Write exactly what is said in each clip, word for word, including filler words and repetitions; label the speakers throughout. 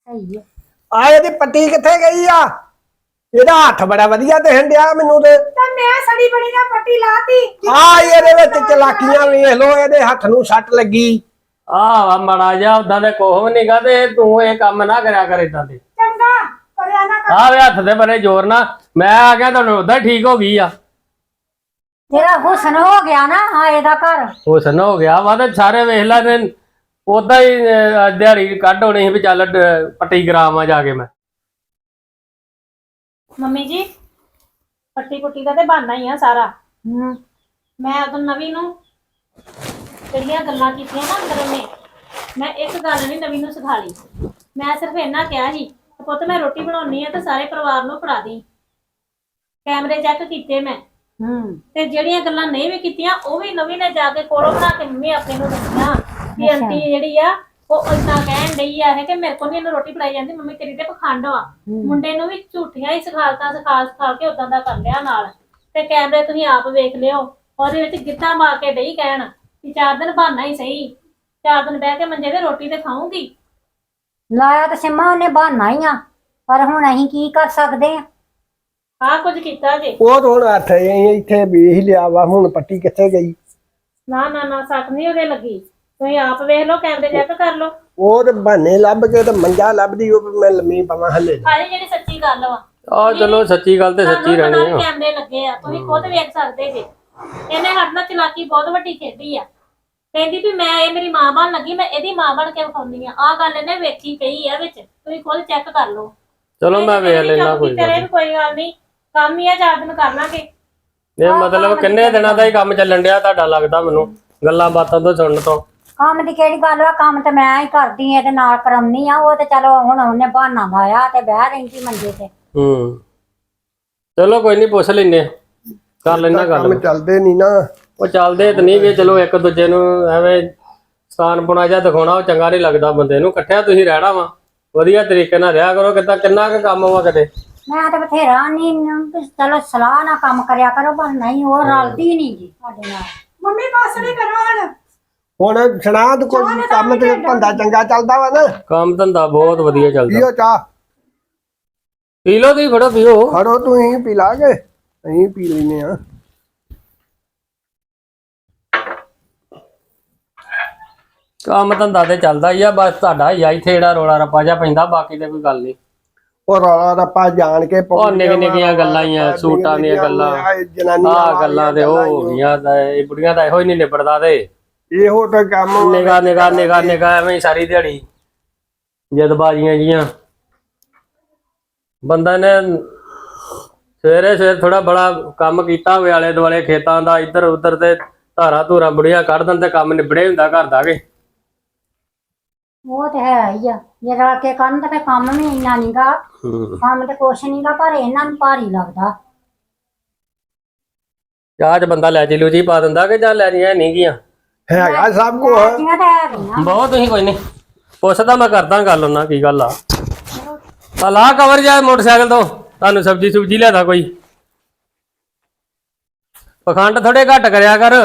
Speaker 1: ਸਹੀ ਹੈ।
Speaker 2: ਆ ਇਹਦੀ ਪੱਟੀ ਕਿੱਥੇ ਗਈ ਆ? ਇਹਦਾ ਹੱਥ ਬੜਾ ਵਧੀਆ ਦਿਖਣ ਡਿਆ ਮੈਨੂੰ ਤੇ।
Speaker 1: ਤਾਂ ਮੈਂ ਸੜੀ ਬੜੀ ਨਾਲ ਪੱਟੀ ਲਾਤੀ।
Speaker 2: ਆ ਇਹਦੇ ਵਿੱਚ ਚਲਾਕੀਆਂ ਵੇਖ ਲੋ, ਇਹਦੇ ਹੱਥ ਨੂੰ ਸੱਟ ਲੱਗੀ।
Speaker 3: ਆਹ ਮਾੜਾ ਜਿਹਾ ਉਦਾਂ ਦੇ ਕੋਹ ਨਹੀਂਗਾ ਤੇ ਤੂੰ ਇਹ ਕੰਮ ਨਾ ਕਰਿਆ ਕਰ ਇਦਾਂ ਦੇ।
Speaker 1: ਚੰਗਾ ਕਰਿਆ ਨਾ ਕਰ।
Speaker 3: ਆਹ ਵੇ ਹੱਥ ਦੇ ਬਰੇ ਜ਼ੋਰ ਨਾ, ਮੈਂ ਆ ਗਿਆ ਤੁਹਾਨੂੰ ਉਦਾਂ ਠੀਕ ਹੋ ਗਈ ਆ।
Speaker 1: ਤੇਰਾ ਹੁਸਨ ਹੋ ਗਿਆ ਨਾ ਆਏ ਦਾ ਘਰ।
Speaker 3: ਹੁਸਨ ਹੋ ਗਿਆ ਵਾ ਤੇ ਸਾਰੇ ਵੇਖ ਲੈ ਤੇ ਉਦਾਂ ਹੀ ਅਹ, ਦਿਹਾੜੀ ਕੱਢ ਹੋਣੀ ਸੀ ਵੀ ਚੱਲ ਡ- ਪੱਟੀ ਕਰਾਵਾਂ ਜਾ ਕੇ ਮੈਂ।
Speaker 4: ਮੰਮੀ ਜੀ ਪੱਟੀ ਪੁੱਟੀ ਦਾ ਤੇ ਬਹਾਨਾ ਹੀ ਆ ਸਾਰਾ।
Speaker 1: ਹੂੰ
Speaker 4: ਮੈਂ ਉਦੋਂ ਨਵੀਂ ਨੂੰ ਜਿਹੜੀਆਂ ਗੱਲਾਂ ਕੀਤੀਆਂ ਨਾ ਅੰਦਰ ਉਹਨੇ, ਮੈਂ ਇੱਕ ਗੱਲ ਨਹੀਂ ਨਵੀਂ ਨੂੰ ਸਿਖਾ ਲਈ। ਮੈਂ ਸਿਰਫ ਇੰਨਾ ਕਿਹਾ ਸੀ ਕਿ ਪੁੱਤ ਮੈਂ ਰੋਟੀ ਬਣਾਉਣੀ ਆ ਤੇ ਸਾਰੇ ਪਰਿਵਾਰ ਨੂੰ ਫੜਾ ਦੀ। ਕੈਮਰੇ ਚੈੱਕ ਕੀਤੇ ਮੈਂ
Speaker 1: ਹੂੰ
Speaker 4: ਤੇ ਜਿਹੜੀਆਂ ਗੱਲਾਂ ਨਹੀਂ ਵੀ ਕੀਤੀਆਂ ਉਹ ਵੀ ਨਵੀਂ ਨੇ ਜਾ ਕੇ ਕੋਲੋਂ ਬਣਾ ਕੇ ਮੰਮੀ ਆਪਣੇ ਨੂੰ ਦੱਸੀਆਂ ਕਿ ਆਂਟੀ ਜਿਹੜੀ ਆ ਉਹ ਏਦਾਂ ਕਹਿਣ ਡਈ ਆ ਇਹ ਕਿ ਮੇਰੇ ਕੋਲ ਨੀ ਇਹਨੂੰ ਰੋਟੀ ਫੜਾਈ ਜਾਂਦੀ, ਮੰਮੀ ਤੇਰੀ ਤੇ ਪਖੰਡ ਵਾ। ਮੁੰਡੇ ਨੂੰ ਵੀ ਝੂਠੀਆਂ ਹੀ ਸਿਖਾਲਤਾਂ ਸਿਖਾ ਸਿਖਾ ਕੇ ਉਦਾਂ ਦਾ ਕਰ ਲਿਆ ਨਾਲ। ਤੇ ਕੈਮਰੇ ਤੁਸੀਂ ਆਪ ਵੇਖ ਲਿਓ, ਉਹਦੇ ਵਿੱਚ ਗਿੱਧਾ ਮਾਰ ਕੇ ਡਈ ਕਹਿਣ ਕਿ ਚਾਰ ਦਿਨ ਬਹਾਨਾ ਹੀ ਸਹੀ, ਚਾਰ ਦਿਨ ਬਹਿ ਕੇ ਮੰਜੇ ਤੇ ਰੋਟੀ ਤੇ ਖਾਊਂਗੀ।
Speaker 1: ਲਾਇਆ ਤਾਂ ਸਿੰਮਾ ਉਹਨੇ ਬਹਾਨਾ ਹੀ ਆ, ਪਰ ਹੁਣ ਅਸੀਂ ਕੀ ਕਰ ਸਕਦੇ ਆ?
Speaker 4: ਆਹ ਕੁਝ ਕੀਤਾ ਜੇ।
Speaker 2: ਉਹ ਤਾਂ ਹੁਣ ਹੱਥ ਇੱਥੇ ਵੇਖ ਲਿਆ ਵਾ, ਹੁਣ ਪੱਟੀ ਕਿੱਥੇ ਗਈ?
Speaker 4: ਨਾ ਨਾ ਨਾ ਸੱਟ ਨਹੀਂ ਉਹਦੇ ਲੱਗੀ, ਤੁਸੀਂ ਆਪ ਵੇਖ ਲਓ, ਕੈਮਰੇ ਚੈੱਕ ਕਰ ਲਓ।
Speaker 2: ਉਹ ਤੇ ਬਹਾਨੇ ਲੱਭ ਕੇ ਤੇ ਮੰਜਾ ਲੱਭਦੀ ਉਹ ਵੀ ਮੈਂ ਲੰਮੀ ਪਵਾਂ ਹਲੇ।
Speaker 4: ਸਾਰੀ ਜਿਹੜੀ ਸੱਚੀ ਗੱਲ ਵਾ।
Speaker 3: ਆਹ ਚਲੋ ਸੱਚੀ ਗੱਲ ਤੇ ਸੱਚੀ ਰਹਿਣੀ ਆ।
Speaker 4: ਕੈਮਰੇ ਲੱਗੇ ਆ, ਤੁਸੀਂ ਖੁਦ ਵੇਖ ਸਕਦੇ ਜੇ। ਇਹਨੇ ਸਾਡੇ ਨਾਲ ਚਲਾਕੀ ਬਹੁਤ ਵੱਡੀ ਖੇਡੀ ਆ। ਕਹਿੰਦੀ ਵੀ ਮੈਂ ਇਹ ਮੇਰੀ ਮਾਂ ਬਣ ਲੱਗੀ, ਮੈਂ ਇਹਦੀ ਮਾਂ ਬਣ ਕੇ ਵਿਖਾਉਂਦੀ ਆ। ਆਹ ਗੱਲ ਇਹਨੇ ਵੇਖੀ ਕਹੀ ਆ ਵਿੱਚ, ਤੁਸੀਂ ਖੁਦ ਚੈੱਕ ਕਰ ਲਓ।
Speaker 3: ਚਲੋ ਮੈਂ ਵੇਖ ਲੈਣਾ ਕੋਈ ਗੱਲ ਨੀ।
Speaker 4: ਕੋਈ ਗੱਲ ਨਹੀਂ, ਕੰਮ ਹੀ ਆ, ਚਾਰ ਦਿਨ ਕਰ ਲਾਂਗੇ।
Speaker 3: ਇਹ ਮਤਲਬ ਕਿੰਨੇ ਦਿਨਾਂ ਦਾ ਹੀ ਕੰਮ ਚੱਲਣ ਡਿਆ ਤੁਹਾਡਾ ਲੱਗਦਾ ਮੈਨੂੰ ਗੱਲਾਂ ਬਾਤਾਂ ਤੋਂ ਸੁਣਨ ਤੋਂ।
Speaker 1: ਕੰਮ ਦੀ ਕਿਹੜੀ ਗੱਲ ਆ, ਕੰਮ ਤੇ ਮੈਂ ਹੀ ਕਰਦੀ ਆ ਤੇ ਨਾਲ ਕਰਾਉਣੀ ਆ। ਉਹ ਤੇ ਚਲੋ ਹੁਣ ਉਹਨੇ ਬਹਾਨਾ ਲਾਇਆ ਤੇ ਬਹਿ ਰਹਿੰਦੀ ਮੰਜੇ ਤੇ।
Speaker 3: ਹੂੰ ਚਲੋ ਕੋਈ ਨਹੀਂ, ਪੁੱਛ ਲੈਨੇ ਕਰ ਲੈਣਾ ਗੱਲ।
Speaker 2: ਕੰਮ ਚੱਲਦੇ ਨਹੀਂ ਨਾ।
Speaker 3: ਉਹ ਚੱਲਦੇ ਤੇ ਨਹੀਂ ਵੀ ਚਲੋ ਇੱਕ ਦੂਜੇ ਨੂੰ ਐਵੇਂ ਸਥਾਨ ਪੁਣਾ ਜਿਹਾ ਦਿਖਾਉਣਾ ਉਹ ਚੰਗਾ ਨਹੀਂ ਲੱਗਦਾ ਬੰਦੇ ਨੂੰ। ਇਕੱਠਿਆਂ ਤੁਸੀਂ ਰਹਿਣਾ ਵਾ, ਵਧੀਆ ਤਰੀਕੇ ਨਾਲ ਰਿਹਾ ਕਰੋ। ਕਿੱਦਾਂ ਕਿੰਨਾ ਕੁ ਕੰਮ ਵਾ ਕਦੇ?
Speaker 1: ਮੈਂ ਤੇ ਬਥੇਰਾ ਨਹੀਂ, ਚਲੋ ਸਲਾਹ ਨਾਲ ਕੰਮ ਕਰਿਆ ਕਰੋ, ਪਰ ਨਹੀਂ ਉਹ ਰਲਦੀ ਨਹੀਂ ਜੀ ਸਾਡੇ ਨਾਲ। ਮੰਮੀ ਬਸ ਨਹੀਂ ਕਰੋ ਹੁਣ।
Speaker 2: ਹੁਣ ਸੁਣਾ ਤੂੰ ਕੋਈ ਕੰਮ ਤੇ ਧੰਦਾ ਚੰਗਾ ਚੱਲਦਾ ਵਾ ਨਾ?
Speaker 3: ਕੰਮ ਧੰਦਾ ਬਹੁਤ ਵਧੀਆ ਚੱਲਦਾ।
Speaker 2: ਪੀਓ ਚਾਹ,
Speaker 3: ਪੀ ਲਓ ਤੁਸੀਂ, ਫੜੋ ਪੀਓ।
Speaker 2: ਖੜੋ ਤੂੰ ਹੀ ਪੀ ਲਾਗੇ, ਅਸੀਂ ਪੀ ਲੈਨੇ ਆ।
Speaker 3: ਕੰਮ ਧੰਦਾ ਤੇ ਚੱਲਦਾ ਹੀ ਆ, ਬਸ ਤੁਹਾਡਾ ਹੀ ਆ ਇੱਥੇ ਜਿਹੜਾ ਰੋਲਾ ਰੱਪਾ ਜਿਹਾ ਪੈਂਦਾ, ਬਾਕੀ ਤੇ ਕੋਈ ਗੱਲ ਨਹੀਂ।
Speaker 2: ਉਹ ਰੌਲਾ ਰੱਪਾ ਜਾਣ ਕੇ
Speaker 3: ਉਹ ਨਿੱਕ ਨਿੱਕੀਆਂ ਗੱਲਾਂ ਹੀ ਆ, ਸੂਟਾਂ ਦੀਆਂ ਗੱਲਾਂ, ਆਹ ਗੱਲਾਂ ਤੇ ਉਹ ਹੋ ਗਈਆਂ। ਇਹ ਬੁੜੀਆਂ ਦਾ ਇਹੋ ਹੀ ਨਹੀਂ ਨਿਬੜਦਾ ਤੇ
Speaker 2: ਇਹੋ ਤਾਂ ਕੰਮ
Speaker 3: ਨਿਗਾਹ ਨਿਗਾਹ ਨਿਗਾਹ ਨਿਗਾਹ ਐਵੇਂ ਹੀ ਸਾਰੀ ਦਿਹਾੜੀ ਜਦਬਾਜ਼ੀਆਂ ਜੀਆਂ। ਬੰਦਾ ਨੇ ਸਵੇਰੇ ਸਵੇਰ ਥੋੜਾ ਬੜਾ ਕੰਮ ਕੀਤਾ ਹੋਵੇ ਆਲੇ ਦੁਆਲੇ ਖੇਤਾਂ ਦਾ, ਇੱਧਰ ਉੱਧਰ ਤੇ ਧਾਰਾ ਧੂਰਾ ਬੁੜੀਆਂ ਕੱਢ ਦਿੰਦੇ ਤੇ ਕੰਮ ਨਿਬੜੇ ਹੁੰਦਾ ਘਰ ਦਾ ਕੇ।
Speaker 1: ਉਹ ਤੇ ਹੈ ਹੀ ਆ, ਜੇ ਰਲ ਕੇ ਕਰਨ ਤੇ ਫਿਰ ਕੰਮ ਵੀ ਇੰਨਾ ਨਹੀਂਗਾ। ਕੰਮ ਤੇ ਕੁਛ ਨਹੀਂਗਾ, ਪਰ ਇਹਨਾਂ ਨੂੰ ਭਾਰੀ ਲੱਗਦਾ।
Speaker 3: ਚਾਹ ਚ ਬੰਦਾ ਲੈ ਜੀ ਲੂਜੀ ਪਾ ਦਿੰਦਾ ਕਿ ਜਾਂ ਲੈਣੀਆਂ ਨਹੀਂ ਗੀਆਂ।
Speaker 2: ਹੈਗਾ ਸਭ ਕੁਝ।
Speaker 1: ਲੈਤੀਆਂ ਤਾਂ ਹੈਗੀਆਂ।
Speaker 3: ਬਹੁਤ ਤੁਸੀਂ ਕੋਈ ਨਹੀਂ ਪੁੱਛਦਾ, ਮੈਂ ਕਰਦਾ ਗੱਲ ਉਹਨਾਂ ਕੀ ਗੱਲ ਆ। ਆ ਲਾ ਕਵਰ ਜਾਏ ਮੋਟਰਸਾਈਕਲ ਤੋਂ, ਤੁਹਾਨੂੰ ਸਬਜ਼ੀ ਸੁਬਜੀ ਲਿਆਦਾ ਕੋਈ। ਪਖੰਡ ਥੋੜੇ ਘੱਟ ਕਰਿਆ ਕਰ।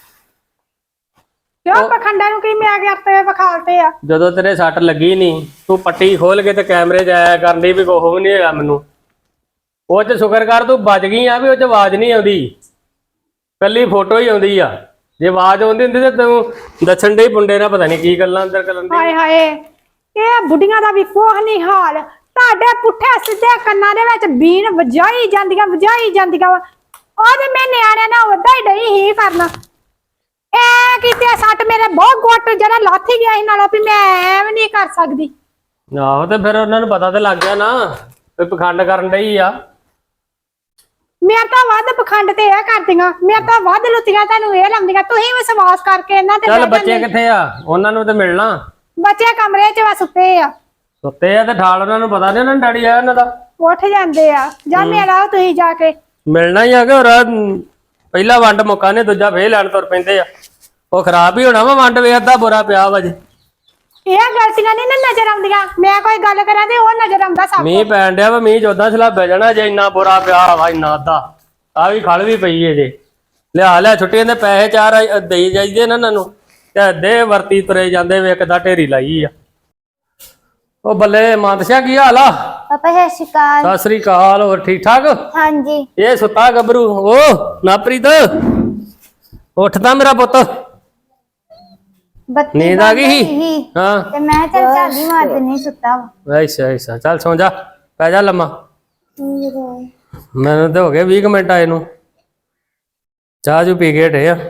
Speaker 5: ਕਿਉਂ ਪਖੰਡਾਂ ਨੂੰ ਕੀ ਮੈਂ ਕਰਤੇ ਵਿਖਾਲਤੇ ਆ?
Speaker 3: ਜਦੋਂ ਤੇਰੇ ਸੱਟ ਲੱਗੀ ਨਹੀਂ, ਤੂੰ ਪੱਟੀ ਖੋਲ ਕੇ ਤੇ ਕੈਮਰੇ 'ਚ ਆਇਆ ਕਰਦੀ ਵੀ ਕੋਹ ਵੀ ਨਹੀਂ ਹੋਇਆ ਮੈਨੂੰ। ਉਹ 'ਚ ਸ਼ੁਕਰ ਕਰ ਤੂੰ ਬਚ ਗਈ ਆ ਵੀ ਉਹ 'ਚ ਆਵਾਜ਼ ਨਹੀਂ ਆਉਂਦੀ, ਕੱਲੀ ਫੋਟੋ ਹੀ ਆਉਂਦੀ ਆ। ਜੇ ਆਵਾਜ਼ ਆਉਂਦੀ ਹੁੰਦੀ ਤੇ ਤੂੰ ਦੱਸਣ ਦੇ ਮੁੰਡੇ ਨਾਲ ਪਤਾ ਨਹੀਂ ਕੀ ਗੱਲਾਂ ਅੰਦਰ ਕਰਨ ਦੀ।
Speaker 5: ਹਾਏ ਹਾਏ, ਇਹ ਬੁੱਢੀਆਂ ਦਾ ਵੀ ਕੋਹ ਨਹੀਂ ਹਾਲ। ਤੁਹਾਡੇ ਪੁੱਠੇ ਸਿੱਧੇ ਕੰਨਾਂ ਦੇ ਵਿੱਚ ਬੀਨ ਵਜਾਈ ਜਾਂਦੀਆਂ ਵਜਾਈ ਜਾਂਦੀਆਂ ਵਾ। ਉਹਦੇ ਮੈਂ ਨਿਆਣਿਆਂ ਨਾਲ ਉਦਾਂ ਹੀ ਡਈ ਹੀ ਕਰਨਾ। ਐ ਕਿਤੇ ਸੱਟ ਮੇਰੇ ਬਹੁਤ ਗੁੱਟ ਜਿਹੜਾ ਲਾਥੀ ਗਿਆ ਸੀ ਨਾਲੋਂ ਵੀ ਮੈਂ ਐਵੇਂ ਨਹੀਂ ਕਰ ਸਕਦੀ।
Speaker 3: ਆਹੋ ਤੇ ਫਿਰ ਉਹਨਾਂ ਨੂੰ ਪਤਾ ਤੇ ਲੱਗ ਗਿਆ ਨਾ ਵੀ ਪਖੰਡ ਕਰਨ ਡਈ ਆ।
Speaker 5: ਮੇਰੇ ਤਾਂ ਵੱਧ ਪਖੰਡ ਤੇ ਇਹ ਕਰਦੀਆਂ, ਮੇਰੇ ਤਾਂ ਵੱਧ ਲੁੱਤੀਆਂ ਤੁਹਾਨੂੰ ਇਹ ਲਾਉਂਦੀਆਂ। ਤੁਸੀਂ ਵਿਸ਼ਵਾਸ ਕਰਕੇ ਇਹਨਾਂ ਤੇ
Speaker 3: ਚੱਲ ਬੱਚੇ ਕਿੱਥੇ ਆ? ਉਹਨਾਂ ਨੂੰ ਤੇ ਮਿਲਣਾ।
Speaker 5: ਬੱਚੇ ਕਮਰੇ 'ਚ ਵਾ ਸੁੱਤੇ ਆ।
Speaker 3: ਸੁੱਤੇ ਆ ਤੇ ਠਾਲ ਉਹਨਾਂ ਨੂੰ ਪਤਾ ਨਹੀਂ ਉਹਨਾਂ ਨੂੰ ਡੈਡੀ ਆਇਆ ਉਹਨਾਂ ਦਾ।
Speaker 5: ਉੱਠ ਜਾਂਦੇ ਆ, ਜਾਂ ਮਿਲਾਓ ਤੁਸੀਂ ਜਾ ਕੇ।
Speaker 3: ਮਿਲਣਾ ਹੀ ਆ ਕਿ ਹੋਰ ਪਹਿਲਾ ਵੰਡ ਮੁੱਕਾ ਨੇ, ਦੂਜਾ ਫੇਰ ਲੈਣ ਤੁਰ ਪੈਂਦੇ ਆ। ਉਹ ਖਰਾਬ ਹੀ ਹੋਣਾ ਵਾ, ਵੰਡ ਵੇ ਅੱਧਾ ਬੁਰਾ ਪਿਆ ਵਾ ਜੇ।
Speaker 5: ਇਹ ਗਲਤੀਆਂ ਨਹੀਂ ਨਾ ਨਜ਼ਰ ਆਉਂਦੀਆਂ। ਮੈਂ ਕੋਈ ਗੱਲ ਕਰਾਂ ਤੇ ਉਹ ਨਜ਼ਰ ਆਉਂਦਾ ਸਭ।
Speaker 3: ਮੀਂਹ ਪੈਣ ਡਿਆ ਵਾ, ਮੀਂਹ ਜੋਦਾਂ ਸਲਾਬੇ ਜਾਣਾ ਜੇ ਇੰਨਾ ਬੁਰਾ ਪਿਆ ਵਾ, ਇੰਨਾ ਅੱਧਾ। ਆ ਵੀ ਖਲ ਵੀ ਪਈ ਏ ਜੇ। ਲਿਆ ਲਿਆ ਛੁੱਟੀਆਂ ਦੇ ਪੈਸੇ ਚਾਰ ਦੇਈ ਜਾਈਦੇ ਨਾ ਇਹਨਾਂ ਨੂੰ ਤੇ ਅੱਧੇ ਵਰਤੀ ਤੁਰੇ ਜਾਂਦੇ ਵੇ, ਇੱਕ ਦਾ ਢੇਰੀ ਲਾਈ ਆ। ਉਹ ਬੱਲੇ ਮਾਨਸਿਆ ਕੀ ਹਾਲ ਆ?
Speaker 6: ਪਾਪਾ ਸਤਿ ਸ਼੍ਰੀ ਅਕਾਲ।
Speaker 3: ਸਤਿ ਸ੍ਰੀ ਅਕਾਲ। ਹੋਰ ਠੀਕ ਠਾਕ?
Speaker 6: ਹਾਂਜੀ।
Speaker 3: ਇਹ ਸੁੱਤਾ ਗੱਭਰੂ। ਓ ਨਾਪ੍ਰੀਤ ਉੱਠ ਤਾਂ ਮੇਰਾ ਪੁੱਤ।
Speaker 6: ਬੱਤੀ
Speaker 3: ਨੀਂਦ ਆ ਗਈ
Speaker 6: ਬੰਦ
Speaker 3: ਸੀ?
Speaker 6: ਸੀ
Speaker 3: ਹਾਂ
Speaker 6: ਤੇ ਮੈਂ ਚੱਲ ਝਾੜੀ ਮਾਰ ਦਿੰਨੀ ਸੁੱਤਾ ਵਾ।
Speaker 3: ਐਸਾ ਐਸਾ ਚੱਲ ਸੌਂ ਜਾ, ਪੈ ਜਾ ਲੰਮਾ। ਮੈਨੂੰ ਤੇ ਹੋ ਗਏ ਵੀਹ ਕੁ ਮਿੰਟ ਆਏ ਨੂੰ। ਚਾਹ ਜੂ ਪੀ ਕੇ ਹਟੇ ਆ।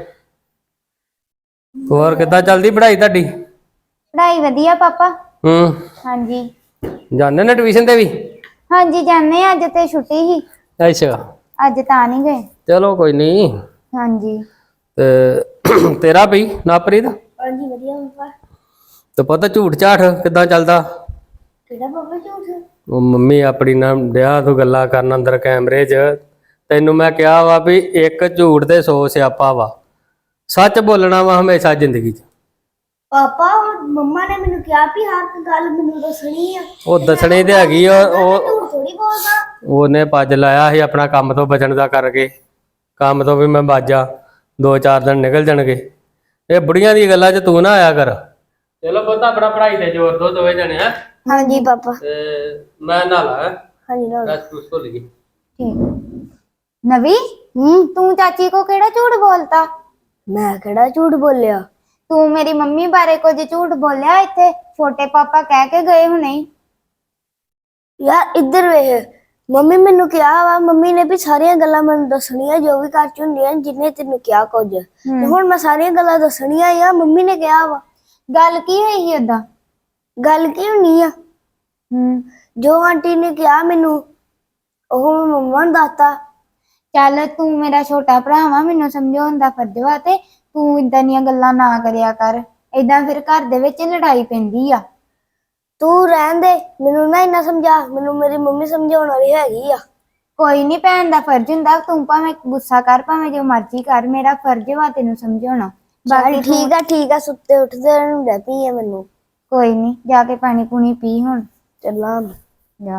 Speaker 3: ਹੋਰ ਕਿੱਦਾਂ ਚੱਲਦੀ ਪੜ੍ਹਾਈ ਤੁਹਾਡੀ?
Speaker 6: ਪੜ੍ਹਾਈ ਵਧੀਆ ਪਾਪਾ।
Speaker 3: ਹੂੰ
Speaker 6: ਹਾਂਜੀ
Speaker 3: ਜਾਂਦੇ ਨੇ ਟਿਊਸ਼ਨ ਤੇ ਵੀ?
Speaker 6: ਹਾਂਜੀ ਜਾਂਦੇ ਆ, ਅੱਜ ਤੇ ਛੁੱਟੀ ਸੀ,
Speaker 3: ਅੱਛਾ
Speaker 6: ਅੱਜ ਤਾਂ ਨਹੀਂ ਗਏ।
Speaker 3: ਚਲੋ ਕੋਈ ਨਹੀਂ।
Speaker 6: ਹਾਂਜੀ
Speaker 3: ਤੇ ਤੇਰਾ ਬਈ ਨਾਪ੍ਰੀਤ?
Speaker 6: ਹਾਂਜੀ ਵਧੀਆ ਪਾਪਾ।
Speaker 3: ਤੇ ਪਤਾ ਝੂਠ ਝਾਠ ਕਿੱਦਾਂ ਚੱਲਦਾ?
Speaker 6: ਕਿਹੜਾ ਪਾਪਾ ਝੂਠ?
Speaker 3: ਉਹ ਮੰਮੀ ਆਪਣੀ ਨਾਲ ਡਿਆ ਤੂੰ ਗੱਲਾਂ ਕਰਨ ਅੰਦਰ ਕੈਮਰੇ 'ਚ। ਤੈਨੂੰ ਮੈਂ ਕਿਹਾ ਵਾ ਵੀ ਇੱਕ ਝੂਠ ਤੇ ਸੌ ਸਿਆਪਾ ਵਾ। ਸੱਚ ਬੋਲਣਾ ਵਾ ਹਮੇਸ਼ਾ ਜ਼ਿੰਦਗੀ 'ਚ।
Speaker 6: ਪਾਪਾ ਮੰਮਾ ਨੇ ਮੈਨੂੰ ਕਿਹਾ ਵੀ ਹਰ ਗੱਲ ਮੈਨੂੰ ਦੱਸਣੀ ਆ।
Speaker 3: ਉਹ ਦੱਸਣੀ ਤੇ ਹੈਗੀ ਆ। ਉਹ
Speaker 6: ਝੂਠ ਥੋੜੀ ਬੋਲਦਾ।
Speaker 3: ਉਹਨੇ ਪੱਜ ਲਾਇਆ ਸੀ ਆਪਣਾ ਕੰਮ ਤੋਂ ਬਚਣ ਦਾ ਕਰਕੇ। ਕੰਮ ਤੋਂ ਵੀ ਮੈਂ ਬਾਜਾ, ਦੋ ਚਾਰ ਦਿਨ ਨਿਕਲ ਜਾਣਗੇ। ਇਹ ਬੁੜੀਆਂ ਦੀ ਗੱਲਾਂ 'ਚ ਤੂੰ ਨਾ ਆਇਆ ਕਰ। ਚਲੋ ਪੁੱਤ ਆਪਣਾ ਪੜ੍ਹਾਈ ਤੇ ਜ਼ੋਰ ਦੋ ਦੋਵੇਂ ਜਣੇ। ਹੈ
Speaker 6: ਹਾਂਜੀ ਪਾਪਾ।
Speaker 3: ਤੇ ਮੈਂ ਨਾ ਲਾ
Speaker 6: ਹਾਂਜੀ ਨਾ
Speaker 3: ਬਸ ਤੂੰ ਸੋ ਲਈ।
Speaker 6: ਠੀਕ। ਨਵੀ ਹੂੰ ਤੂੰ ਚਾਚੀ ਕੋ ਕਿਹੜਾ ਝੂਠ ਬੋਲਤਾ? ਮੈਂ ਕਿਹੜਾ ਝੂਠ ਬੋਲਿਆ? ਤੂੰ ਮੇਰੀ ਮੰਮੀ ਬਾਰੇ ਕੁਝ ਝੂਠ ਬੋਲਿਆ ਇੱਥੇ? ਛੋਟੇ ਪਾਪਾ ਕਹਿ ਕੇ ਗਏ ਹੁਣੇ। ਯਾਰ ਇੱਧਰ ਵੇਖ, ਮੰਮੀ ਮੈਨੂੰ ਕਿਹਾ ਵਾ, ਮੰਮੀ ਨੇ ਵੀ ਸਾਰੀਆਂ ਗੱਲਾਂ ਮੈਨੂੰ ਦੱਸਣੀਆਂ ਜੋ ਵੀ ਘਰ ਚ ਹੁੰਦੀਆਂ ਜਿੰਨੇ ਤੈਨੂੰ ਕਿਹਾ ਕੁਝ। ਤੇ ਹੁਣ ਮੈਂ ਸਾਰੀਆਂ ਗੱਲਾਂ ਦੱਸਣੀਆਂ ਆ, ਮੰਮੀ ਨੇ ਕਿਹਾ ਵਾ। ਗੱਲ ਕੀ ਹੋਈ ਸੀ ਓਦਾਂ? ਗੱਲ ਕੀ ਹੋਣੀ ਆ? ਹੂੰ ਜੋ ਆਂਟੀ ਨੇ ਕਿਹਾ ਮੈਨੂੰ ਉਹ ਮੈਂ ਮੰਮਾ ਨੂੰ ਦੱਸਤਾ। ਚੱਲ ਤੂੰ ਮੇਰਾ ਛੋਟਾ ਭਰਾ ਵਾ, ਮੈਨੂੰ ਸਮਝਾਉਣ ਦਾ ਫਰਜ਼ ਵਾ, ਤੇ ਤੂੰ ਇਦਾਂ ਦੀਆਂ ਗੱਲਾਂ ਨਾ ਕਰਿਆ ਕਰ। ਏਦਾਂ ਫਿਰ ਘਰ ਦੇ ਵਿੱਚ ਲੜਾਈ ਪੈਂਦੀ ਆ। ਤੂੰ ਰਹਿਣ ਦੇ, ਮੈਨੂੰ ਨਾ ਇੰਨਾ ਸਮਝਾ, ਮੈਨੂੰ ਮੇਰੀ ਮੰਮੀ ਸਮਝਾਉਣ ਵਾਲੀ ਹੈਗੀ ਆ। ਕੋਈ ਨਹੀਂ, ਭੈਣ ਦਾ ਫਰਜ਼ ਹੁੰਦਾ, ਤੂੰ ਭਾਵੇਂ ਗੁੱਸਾ ਕਰ ਭਾਵੇਂ ਜੋ ਮਰਜ਼ੀ ਕਰ, ਮੇਰਾ ਫਰਜ਼ ਵਾ ਤੈਨੂੰ ਸਮਝਾਉਣਾ। ਬਾਕੀ ਠੀਕ ਆ ਠੀਕ ਆ, ਸੁੱਤੇ ਉੱਠਦੇ ਨੂੰ ਡੈ ਪਈ ਆ ਮੈਨੂੰ। ਕੋਈ ਨਹੀਂ, ਜਾ ਕੇ ਪਾਣੀ ਪੂਣੀ ਪੀ ਹੁਣ। ਚੱਲਾਂ ਜਾ।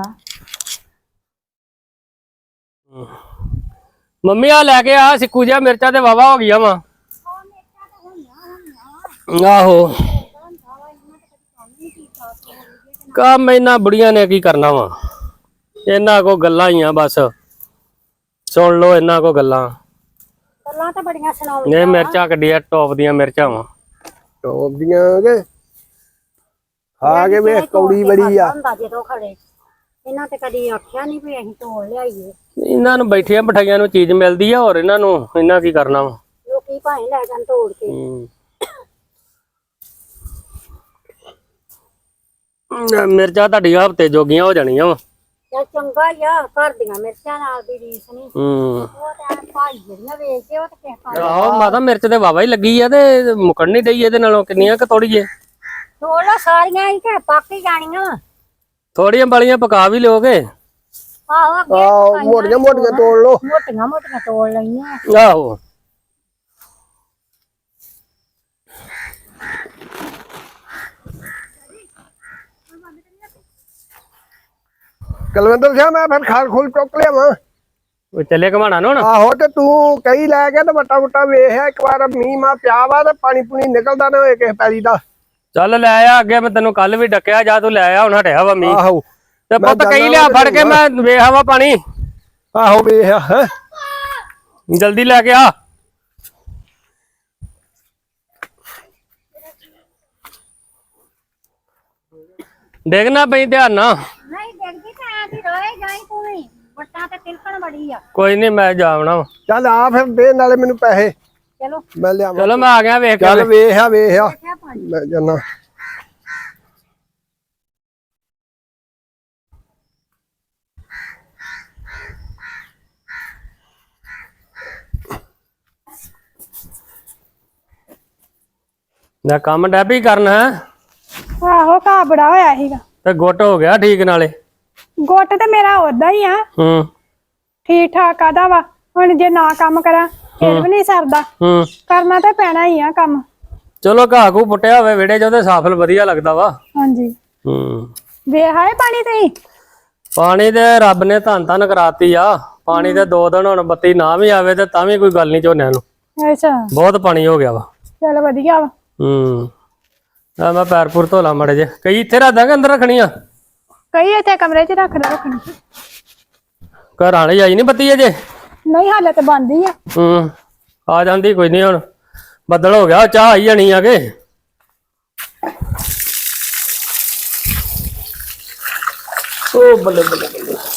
Speaker 3: ਮੰਮੀ ਆ ਲੈ ਕੇ ਆ ਸਿੱਕੂ ਜਿਹਾ, ਮਿਰਚਾਂ ਤੇ ਵਾਵਾ ਹੋ ਗਈਆਂ ਵਾ। ਆਹੋ ਕੰਮ ਇਹਨਾਂ ਬੁੜੀਆਂ ਨੇ ਕੀ ਕਰਨਾ ਵਾ। ਇਹਨਾਂ ਕੋ ਗੱਲਾਂ ਹੀ ਆ ਬਸ। ਸੁਣ ਲੋ ਇਹਨਾਂ ਕੋ ਗੱਲਾਂ।
Speaker 1: ਗੱਲਾਂ ਤਾਂ ਬੜੀਆਂ ਸੁਣਾਓ।
Speaker 3: ਇਹ ਮਿਰਚਾਂ ਕੱਢੀਆਂ ਟੌਪ ਦੀਆਂ ਮਿਰਚਾਂ ਵਾ।
Speaker 2: ਟੋਪ ਦੀਆਂ ਕੇ ਖਾ ਕੇ ਵੇਖ ਕੌੜੀ ਬੜੀ ਆ।
Speaker 1: ਹੁੰਦਾ ਜਦੋਂ ਖੜੇ ਇਹਨਾਂ ਤੇ ਕਦੀ ਆਖਿਆ ਨਹੀਂ ਵੀ ਅਸੀਂ ਤੋੜ ਲਿਆਈਏ।
Speaker 3: ਇਹਨਾਂ ਨੂੰ ਬੈਠੀਆਂ ਬਿਠਾਈਆਂ ਨੂੰ ਚੀਜ਼ ਮਿਲਦੀ ਆ, ਹੋਰ ਇਹਨਾਂ ਨੂੰ ਇਹਨਾਂ ਕੀ ਕਰਨਾ ਵਾ।
Speaker 1: ਲੋਕੀ ਭਾਵੇਂ ਲੈ ਜਾਣ ਤੋੜ ਕੇ।
Speaker 3: ਹੂੰ ਮਿਰਚਾਂ ਤੁਹਾਡੀਆਂ ਹਫ਼ਤੇ ਜੋਗੀਆਂ ਹੋ ਜਾਣੀਆਂ ਵਾ।
Speaker 1: ਚੱਲ ਚੰਗਾ ਹੀ ਆ, ਘਰ ਦੀਆਂ ਮਿਰਚਾਂ ਨਾਲ ਦੀ ਰੀਸ ਨਹੀਂ।
Speaker 3: ਹੂੰ
Speaker 1: ਉਹ ਤਾਂ ਭਾਈ ਜਿਹੜੀਆਂ ਵੇਚਦੇ ਉਹ ਤੇ ਕਿਸੇ ਪਾਸੇ
Speaker 3: ਆਹੋ ਮਾਤਾ ਮਿਰਚ ਤੇ ਵਾਵਾ ਹੀ ਲੱਗੀ ਆ ਤੇ ਮੁਕਣ ਨਹੀਂ ਡਈ ਇਹਦੇ ਨਾਲੋਂ। ਕਿੰਨੀਆਂ ਕਿ ਤੋੜੀਏ?
Speaker 1: ਤੋੜ ਲਾ ਸਾਰੀਆਂ ਹੀ ਕਿ ਪੱਕ ਹੀ ਜਾਣੀਆਂ।
Speaker 3: ਥੋੜੀਆਂ ਬਾਲੀਆਂ ਪਕਾ ਵੀ ਲਿਓਗੇ।
Speaker 1: ਆਹੋ ਅੱਗੇ
Speaker 2: ਆਹ ਮੋਟੀਆਂ ਮੋਟੀਆਂ ਤੋੜ ਲੋ।
Speaker 1: ਮੋਟੀਆਂ ਮੋਟੀਆਂ ਤੋੜ ਲਈਆਂ।
Speaker 3: ਆਹੋ
Speaker 2: ਕਲਵਿੰਦਰ ਸਿੰਘ ਮੈਂ ਫਿਰ ਖਾਲ ਖੂਲ ਚੁੱਕ ਲਿਆ ਵਾ।
Speaker 3: ਉਹ ਚੱਲੇ ਘਮਾਣਾ ਨੂੰ ਹੁਣ।
Speaker 2: ਆਹੋ ਤੇ ਤੂੰ ਕਈ ਲੈ ਕੇ ਤੇ ਵੱਟਾ ਵੱਟਾ ਵੇਖਿਆ ਇੱਕ ਵਾਰ ਮੀਂਹ ਮਾ ਪਿਆ ਵਾ ਤੇ ਪਾਣੀ ਪੂਣੀ ਨਿਕਲਦਾ ਨਾ ਹੋਏ ਕਿਸੇ ਪੈਲੀ ਦਾ।
Speaker 3: ਚੱਲ ਲੈ ਆ ਅੱਗੇ, ਮੈਂ ਤੈਨੂੰ ਕੱਲ ਵੀ ਡੱਕਿਆ, ਜਾ ਤੂੰ ਲੈ ਆ, ਹੁਣ ਹਟਿਆ ਵਾ ਮੀਂਹ।
Speaker 2: ਆਹੋ
Speaker 3: ਤੇ ਪੁੱਤ ਕਈ ਲਿਆ ਫੜ ਕੇ, ਮੈਂ ਵੇਖਾ ਵਾ ਪਾਣੀ।
Speaker 2: ਆਹੋ ਵੇਖਿਆ ਹੈ।
Speaker 3: ਜਲਦੀ ਲੈ ਕੇ ਆ। ਡੇਗਣਾ ਪਈ ਧਿਆਨ ਨਾਲ।
Speaker 1: ਨਹੀਂ ਦੇਖਦੀ ਤਾਂ ਆ ਦੀ ਰੋਏ ਜਾਈ ਤੂੰ ਵੀ, ਵੱਟਾਂ ਤੇ ਤਿਲਕਣ ਬੜੀ ਆ।
Speaker 3: ਕੋਈ ਨਹੀਂ ਮੈਂ ਜਾਵਣਾ ਵਾ।
Speaker 2: ਚੱਲ ਆ ਫਿਰ ਦੇ ਨਾਲੇ ਮੈਨੂੰ ਪੈਸੇ
Speaker 1: ਚਲੋ
Speaker 2: ਮੈਂ ਲਿਆਵਾਂ।
Speaker 3: ਚਲੋ ਮੈਂ ਆ ਗਿਆ ਵੇਖ ਕੇ।
Speaker 2: ਚੱਲ ਵੇਖਿਆ ਵੇਖਿਆ ਮੈਂ ਜਾਨਾ।
Speaker 3: ਨਾ ਕੰਮ ਡੈਪੀ ਕਰਨਾ ਹੈ
Speaker 5: ਆਹੋ ਘਾਹ ਬੜਾ ਹੋਇਆ ਸੀਗਾ
Speaker 3: ਤੇ ਗੁੱਟ ਹੋ ਗਿਆ ਠੀਕ ਨਾਲੇ।
Speaker 5: ਗੁੱਟ ਤੇ ਮੇਰਾ ਓਦਾਂ ਹੀ ਆ,
Speaker 3: ਹੂੰ
Speaker 5: ਠੀਕ ਠਾਕ ਆਦਾ ਵਾ। ਹੁਣ ਜੇ ਨਾ ਕੰਮ ਕਰਾਂ ਫਿਰ ਵੀ ਨਹੀਂ ਸਰਦਾ,
Speaker 3: ਹੂੰ
Speaker 5: ਕਰਨਾ ਤਾਂ ਪੈਣਾ ਹੀ ਆ ਕੰਮ।
Speaker 3: ਚਲੋ ਘਾਹ ਘੂ ਪੁੱਟਿਆ ਹੋਵੇ ਵਿਹੜੇ 'ਚ ਉਹਦੇ ਸਾਫਲ ਵਧੀਆ ਲੱਗਦਾ ਵਾ।
Speaker 5: ਹਾਂਜੀ
Speaker 3: ਹੂੰ
Speaker 5: ਵੇਖ ਆਏ ਪਾਣੀ ਤੇ
Speaker 3: ਪਾਣੀ ਤੇ ਰੱਬ ਨੇ ਧੰਨ ਧੰਨ ਕਰਾਤੀ ਆ। ਪਾਣੀ ਤੇ ਦੋ ਦਿਨ ਹੁਣ ਬੱਤੀ ਨਾ ਵੀ ਆਵੇ ਤੇ ਤਾਂ ਵੀ ਕੋਈ ਗੱਲ ਨਹੀਂ ਝੋਨਿਆਂ ਨੂੰ।
Speaker 5: ਅੱਛਾ
Speaker 3: ਬਹੁਤ ਪਾਣੀ ਹੋ ਗਿਆ ਵਾ।
Speaker 5: ਚਲ ਵਧੀਆ ਵਾ।
Speaker 3: ਹੂੰ ਆ ਮੈਂ ਪੈਰ ਪੁਰ ਧੋਲਾ ਮੜੇ ਜੇ ਕਈ ਇੱਥੇ ਰੱਖ ਦਾਂਗੇ ਅੰਦਰ ਰੱਖਣੀਆਂ
Speaker 5: ਕਈ ਇੱਥੇ ਕਮਰੇ 'ਚ ਰੱਖ ਲੈ ਰੱਖਣੀ
Speaker 3: ਘਰ ਵਾਲੀ ਆਈ ਨਹੀਂ ਬੱਤੀ ਅਜੇ
Speaker 5: ਨਹੀਂ ਹਾਲੇ ਤੇ ਬੰਦ ਹੀ ਆ
Speaker 3: ਹੂੰ ਆ ਜਾਂਦੀ ਕੋਈ ਨਹੀਂ ਹੁਣ ਬੱਦਲ ਹੋ ਗਿਆ ਚਾਹ ਆਈ ਜਾਣੀ ਆ ਕੇ ਓ ਬੱਲੇ ਬੱਲੇ ਬੱਲੇ